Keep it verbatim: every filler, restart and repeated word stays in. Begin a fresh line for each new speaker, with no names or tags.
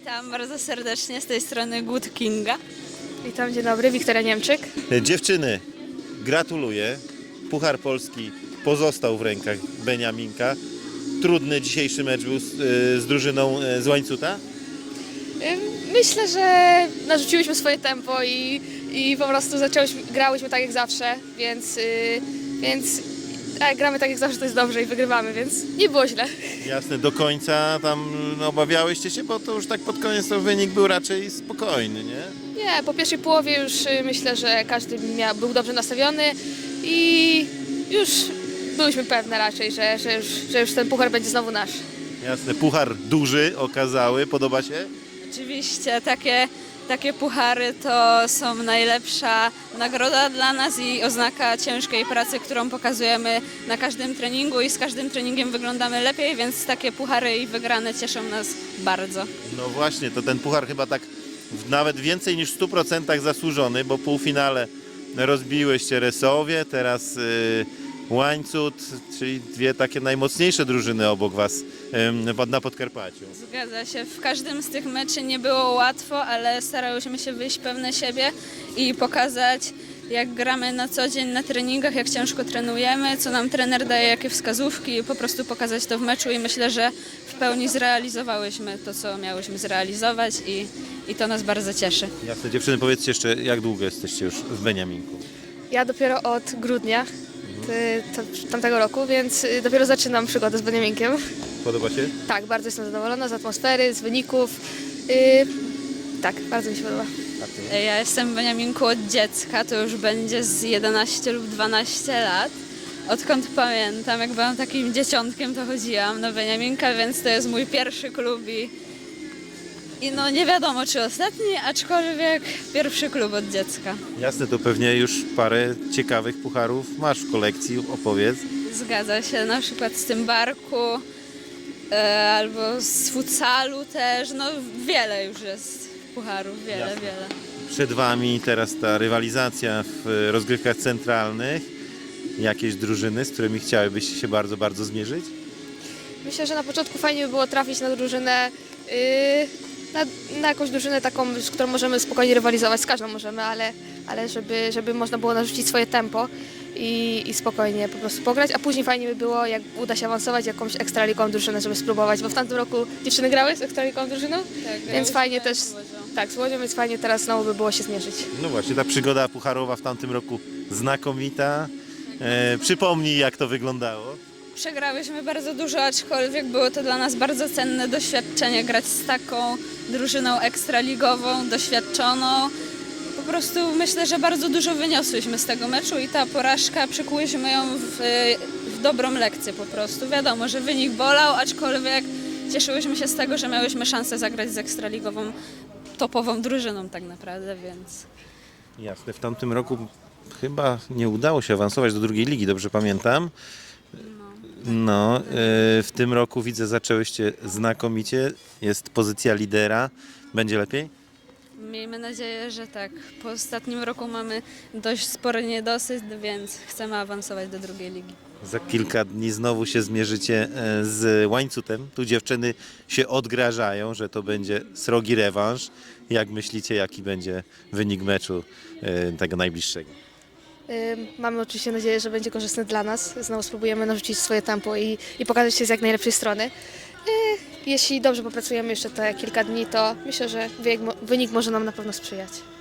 Witam bardzo serdecznie z tej strony Good Kinga.
Witam, dzień dobry, Wiktoria Niemczyk.
Dziewczyny, gratuluję. Puchar Polski pozostał w rękach Beniaminka. Trudny dzisiejszy mecz był z, z drużyną z Łańcuta?
Ym, Myślę, że narzuciłyśmy swoje tempo i, i po prostu zaczęłyśmy, grałyśmy tak jak zawsze, więc, yy, więc jak gramy tak jak zawsze, to jest dobrze i wygrywamy, więc nie było źle.
Jasne, do końca tam no, obawiałyście się, bo to już tak pod koniec to wynik był raczej spokojny, nie?
Nie, po pierwszej połowie już yy, myślę, że każdy miał, był dobrze nastawiony i już byłyśmy pewne raczej, że, że, już, że już ten puchar będzie znowu nasz.
Jasne, puchar duży okazały, podoba się?
Oczywiście takie, takie puchary to są najlepsza nagroda dla nas i oznaka ciężkiej pracy, którą pokazujemy na każdym treningu i z każdym treningiem wyglądamy lepiej, więc takie puchary i wygrane cieszą nas bardzo.
No właśnie, to ten puchar chyba tak w nawet więcej niż w stu procentach zasłużony, bo w półfinale rozbiłyście Resowie, teraz y, Łańcut, czyli dwie takie najmocniejsze drużyny obok was y, na Podkarpaciu.
Zgadza się, w każdym z tych meczy nie było łatwo, ale starałyśmy się wyjść pewne siebie i pokazać, jak gramy na co dzień na treningach, jak ciężko trenujemy, co nam trener daje, jakie wskazówki i po prostu pokazać to w meczu i myślę, że w pełni zrealizowałyśmy to, co miałyśmy zrealizować i, i to nas bardzo cieszy.
Jasne, dziewczyny, powiedzcie jeszcze, jak długo jesteście już w Beniaminku?
Ja dopiero od grudnia ty, to, tamtego roku, więc y, dopiero zaczynam przygodę z Beniaminkiem.
Podoba się?
Tak, bardzo jestem zadowolona z atmosfery, z wyników. Yy, tak, bardzo mi się podoba.
Ja jestem w Beniaminku od dziecka, to już będzie z jedenaście lub dwanaście lat. Odkąd pamiętam, jak byłam takim dzieciątkiem, to chodziłam na Beniaminka, więc to jest mój pierwszy klub i, i no nie wiadomo czy ostatni, aczkolwiek pierwszy klub od dziecka.
Jasne, to pewnie już parę ciekawych pucharów masz w kolekcji, opowiedz.
Zgadza się, na przykład z tym barku e, albo z futsalu też, no wiele już jest pucharów, wiele,
Jasne.
wiele.
Przed wami teraz ta rywalizacja w rozgrywkach centralnych. Jakieś drużyny, z którymi chciałybyście się bardzo, bardzo zmierzyć?
Myślę, że na początku fajnie by było trafić na drużynę, yy, na, na jakąś drużynę taką, z którą możemy spokojnie rywalizować, z każdą możemy, ale, ale żeby, żeby można było narzucić swoje tempo i, i spokojnie po prostu pograć, a później fajnie by było, jak uda się awansować jakąś ekstraligową drużynę, żeby spróbować, bo w tamtym roku dziewczyny grały z ekstraligową drużyną,
Tak,
więc fajnie też,
z Łodzią.
tak, z Łodzią, więc fajnie teraz znowu by było się zmierzyć.
No właśnie, ta przygoda pucharowa w tamtym roku znakomita. E, przypomnij, jak to wyglądało.
Przegrałyśmy bardzo dużo, aczkolwiek było to dla nas bardzo cenne doświadczenie grać z taką drużyną ekstraligową, doświadczoną. Po prostu myślę, że bardzo dużo wyniosłyśmy z tego meczu i ta porażka przekułyśmy ją w, w dobrą lekcję po prostu. Wiadomo, że wynik bolał, aczkolwiek cieszyłyśmy się z tego, że miałyśmy szansę zagrać z ekstraligową, topową drużyną tak naprawdę, więc...
Jasne, w tamtym roku chyba nie udało się awansować do drugiej ligi, dobrze pamiętam. No, e, w tym roku widzę, zaczęłyście znakomicie. Jest pozycja lidera. Będzie lepiej?
Miejmy nadzieję, że tak. Po ostatnim roku mamy dość spory niedosyt, więc chcemy awansować do drugiej ligi.
Za kilka dni znowu się zmierzycie e, z Łańcutem. Tu dziewczyny się odgrażają, że to będzie srogi rewanż. Jak myślicie, jaki będzie wynik meczu e, tego najbliższego?
Yy, Mamy oczywiście nadzieję, że będzie korzystny dla nas. Znowu spróbujemy narzucić swoje tempo i, i pokazać się z jak najlepszej strony. Yy, Jeśli dobrze popracujemy jeszcze te kilka dni, to myślę, że wynik, wynik może nam na pewno sprzyjać.